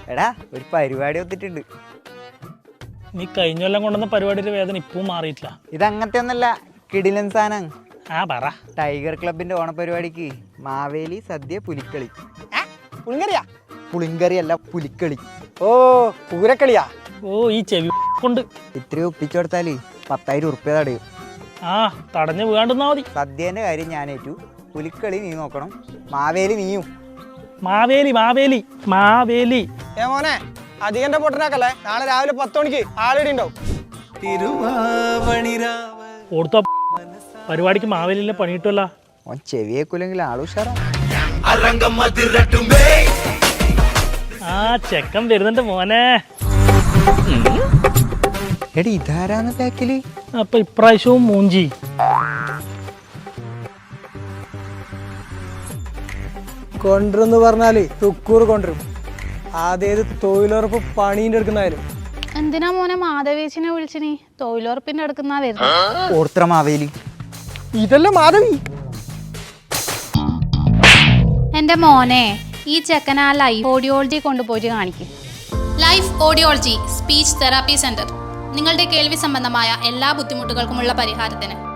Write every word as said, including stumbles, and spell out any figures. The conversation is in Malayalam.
എടാ ഒരു പരിപാടി ഒത്തിട്ടുണ്ട്. നീ കഴിഞ്ഞ കൊല്ലം കൊണ്ടുവന്ന പരിപാടിയുടെ വേദന ഇപ്പവും മാറിയിട്ടില്ല. ഇതങ്ങനത്തെ ഒന്നല്ല, കിടിലൻ സാധനം. ആ പറ. ടൈഗർ ക്ലബിന്റെ ഓണപരിപാടിക്ക് മാവേലി സദ്യ പുലിക്കളി. പുളിങ്കറിയാ? പുളിങ്കറി അല്ല, പുലിക്കളി. ഓ പൂരക്കളിയാ? ഓ ഈ ചെവി കൊണ്ട് ഇത്രയും ഒപ്പിച്ചു കൊടുത്താല് പത്തായിരം ഉറുപ്പ്യ തടയും. ആ തടഞ്ഞു വീണ്ടുന്നാ മതി. സദ്യേന്റെ കാര്യം ഞാനേറ്റു, പുലിക്കളി നീ നോക്കണം, മാവേലി നീയും. മാവേലി മാവേലി മാവേലി. ഏ മോനെ അധികന്റെ പൊട്ടനാക്കല്ലേ, നാളെ രാവിലെ പത്ത് മണിക്ക് ആളിടി ഉണ്ടാവും. ഓർത്തോ പരിപാടിക്ക് മാവേലിയിലെ പണിയിട്ടുമല്ല. ഓൻ ചെവിയേക്കൂലെങ്കിൽ ആളുഷാറാ. ആ ചെക്കൻ വരുന്നുണ്ട് മോനെ. എടി ഇതാരാന്ന് ബാക്കില്? അപ്പൊ ഇപ്രാവശ്യവും മൂഞ്ചി. കൊണ്ടുവന്ന് പറഞ്ഞാല് തുക്കൂർ കൊണ്ടുവരും. ആദ്യത് തൊഴിലുറപ്പ് പണീന്റെ എടുക്കുന്നായാലും. എന്തിനാ മോനെ മാധവീച്ചിനെ വിളിച്ചിനി? തൊഴിലുറപ്പിന്റെ എടുക്കുന്ന വരുന്നത്. ഓർത്ര മാവേലി ഇതല്ലേ മാധവി? എന്റെ മോനെ ഈ ചെക്കൻ ആ ലൈഫ് ഓഡിയോളജി കൊണ്ടുപോയിട്ട് കാണിക്കും. Life audiology speech therapy centre നിങ്ങളുടെ കേൾവി സംബന്ധമായ എല്ലാ ബുദ്ധിമുട്ടുകൾക്കുമുള്ള പരിഹാരത്തിന്